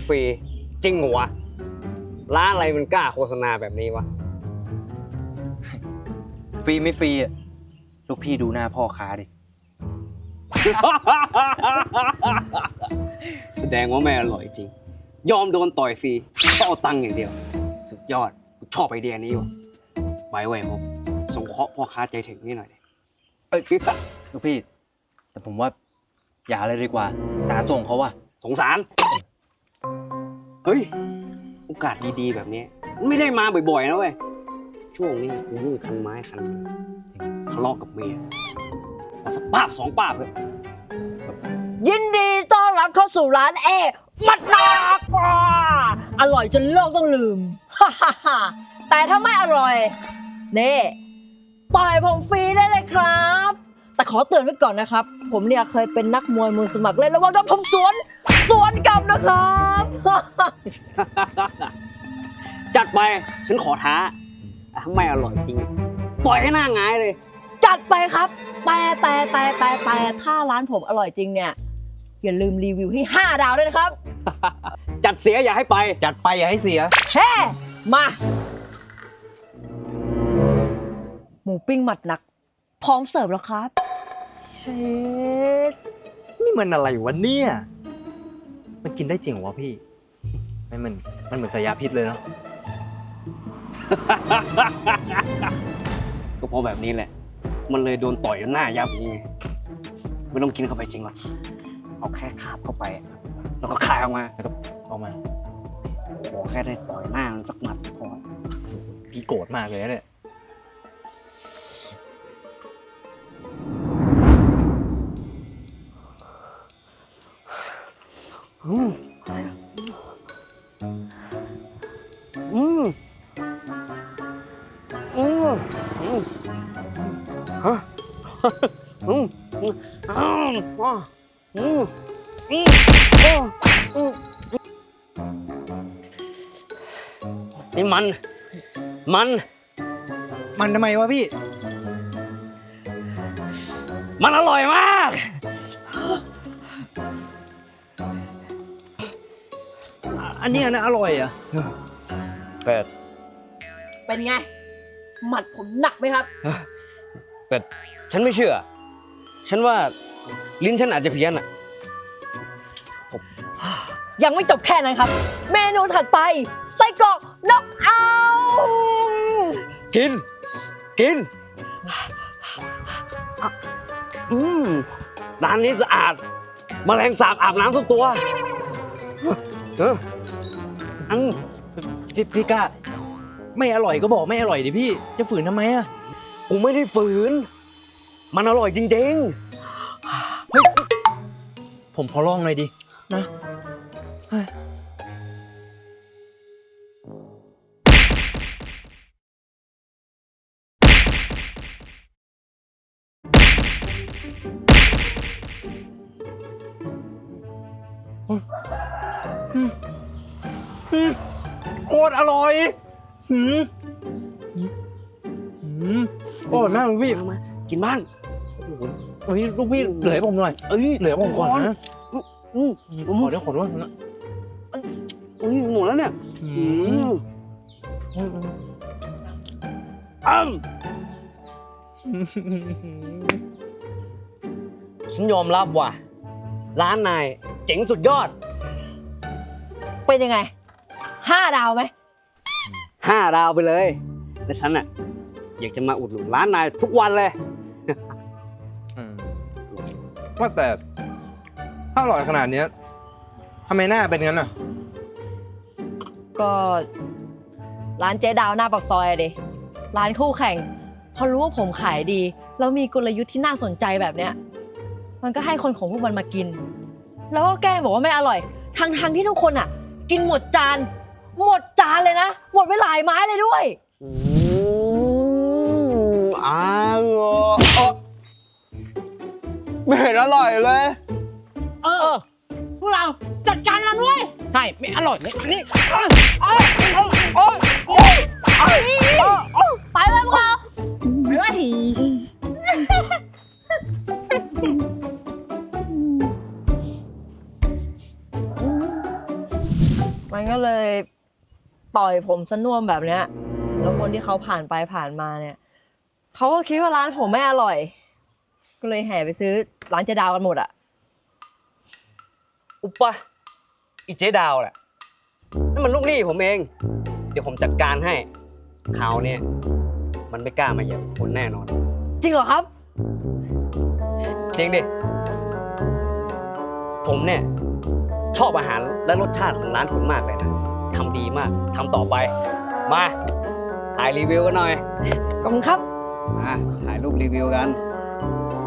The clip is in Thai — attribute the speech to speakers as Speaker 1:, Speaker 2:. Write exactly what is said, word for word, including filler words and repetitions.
Speaker 1: ฟรีจริงเหรอวะร้านอะไรมันกล้าโฆษณาแบบนี้วะ
Speaker 2: ฟรีไม่ฟรีอะลูกพี่ดูหน้าพ่อค้าดิ
Speaker 1: แสดงว่าไม่อร่อยจริงยอมโดนต่อยฟรีก็เอาตังค์อย่างเดียวสุดยอดกูชอบไอเดียนี้ว่ะไว้ไว้ผมสงเคราะห์พ่อค้าใจถึงนี่หน่อยดิ
Speaker 2: เอ้ยลูกพี่ แต่ผมว่าอย่าเลยดีกว่าสาส่งเขาว่ะ
Speaker 1: สงสารเฮ้ยโอกาสดีๆแบบนี้มันไม่ได้มาบ่อยๆนะเว้ยช่วงนี้กูยุ่งคันไม้คันมือทะเลาะกับเมียเอาสักป้าบสองป้าบเลย
Speaker 3: ยินดีต้อนรับเข้าสู่ร้านเอมัดหนักกว่าอร่อยจนโลกต้องลืม ฮ่าฮ่าฮ่าแต่ถ้าไม่อร่อยเน่ต่อยผมฟรีได้เลยครับ แต่ขอเตือนไว้ก่อนนะครับ ผมเนี่ยเคยเป็นนักมวยมือสมัครเล่นระวังโดนผมสวนสวนกลับนะครับ
Speaker 1: จัดไปฉันขอท้าถ้าไม่อร่อยจริงปล่อยให้หน้าหงายเลย
Speaker 3: จัดไปครับแต่แต่แต่แต่แต่ถ้าร้านผมอร่อยจริงเนี่ยอย่าลืมรีวิวให้ห้าดาวด้วยนะครับ
Speaker 1: จัดเสียอย่าให้ไป
Speaker 2: จัดไปอย่าให้เสีย
Speaker 3: เฮ้มาหมูปิ้งหมัดหนักพร้อมเสิร์ฟแล้วครับ
Speaker 2: เชดนี่มันอะไรวะเนี่ย มันกินได้จริงเหรอวะพี่ ไม่มันมันเหมือนสายยาพิษเลยเนาะ
Speaker 1: ก็เพราะแบบนี้แหละ มันเลยโดนต่อยจนหน้ายับอย่างนี้ไงไม่ต้องกินเข้าไปจริงหรอกเอาแค่คาบเข้าไป แล้วก็คายออกมา
Speaker 2: แล้วก็ออกมา
Speaker 1: ขอแค่ได้ต่อยหน้ามันสักหมัดพอ
Speaker 2: พี่โกรธมากเลยนะเนี่ย
Speaker 1: อืมอืมอืมอืมฮะอืมอืมอืมอืมอืมอืมนี่มัน มัน
Speaker 2: มันทำไมวะพี่
Speaker 1: มันอร่อยมาก
Speaker 2: อันนี้นะอร่อยอ่ะ
Speaker 1: แต่
Speaker 3: เป็นไง หมัดผมหนักไหมครับ
Speaker 1: แต่ฉันไม่เชื่อ ฉันว่าลิ้นฉันอาจจะเพี้ยนอ่ะ
Speaker 3: ยังไม่จบแค่นั้นครับ เมนูถัดไปไส้กรอกน็อกเอาท์
Speaker 1: กิน กิน อืมร้านนี้สะอาด แมลงสาบอาบน้ำทุกตัวเอออัง
Speaker 2: พี่พี่กล้า ไม่อร่อยก็บอกไม่อร่อยดิพี่ จะฝืนทำไมอ่ะ
Speaker 1: กูไม่ได้ฝืน มันอร่อยจริง
Speaker 2: ผมขอลองหน่อยดิ นะเฮ้ยโคตรอร่อยหืมหืมอร่อยมากเลยพี่
Speaker 1: ๆมากินบ้าง
Speaker 2: เฮ้ยลูกพี่เหลือให้ผมหน่อย
Speaker 1: เอ้ย
Speaker 2: เหลือผมก่อนนะ
Speaker 1: อืม
Speaker 2: ขอด้วยขอด้วยนะ
Speaker 1: เอ้ยหมดแล้วเนี่ย
Speaker 2: อื
Speaker 1: อื
Speaker 2: ม
Speaker 1: มอ้ำฉันยอมรับว่ะ ร้านนายเจ๋งสุดยอด
Speaker 3: เป็นยังไงห้าดาวไหม
Speaker 1: ห้าดาวไปเลย และฉันอ่ะ อยากจะมาอุดหนุนร้านนายทุกวันเลย
Speaker 2: อืมว่าแต่ถ้าอร่อยขนาดเนี้ยทำไมหน้าเป็นงั้นอ่ะ
Speaker 3: ก็ร้านเจ๊ดาวหน้าปากซอยอะดิร้านคู่แข่ง พอรู้ว่าผมขายดีแล้วมีกลยุทธ์ที่น่าสนใจแบบเนี้ยมันก็ให้คนของพวกมันมากิน แล้วก็แกล้งบอกว่าไม่อร่อยทั้งทงๆที่ทุกคนอ่ะ กินหมดจาน หมดจานเลยนะ หมดไปหลายไม้เลยด้วย
Speaker 1: อืมอร่อยไม่เห็นอร่อยเลย
Speaker 3: เออ พวกเราจัดการมันด้วยใช่ไม่อร่อยเลยนี่ไปเลยพวกเราไม่ว่าทีต่อยผมสน่วมแบบเนี้ย แล้วคนที่เขาผ่านไปผ่านมาเนี่ยเขาก็คิดว่าร้านผมไม่อร่อย ก็เลยแห่ไปซื้อร้านเจดาวกันหมดอะ
Speaker 1: อุปปะอีเจ๊ดาวแหละนั่นมันลูกหนี้ผมเอง เดี๋ยวผมจัดการให้คราวเนี่ยมันไม่กล้ามาเหยียบคนแน่นอน
Speaker 3: จริงเหรอครับ
Speaker 1: จริงดิ ผมเนี่ยชอบอาหารและรสชาติของร้านผมมากเลยนะทำดีมากทำต่อไป มาถ่ายรีวิวกันหน่อย
Speaker 3: ขอบคุณครับ
Speaker 1: มาถ่ายรูปรีวิวกัน
Speaker 3: โ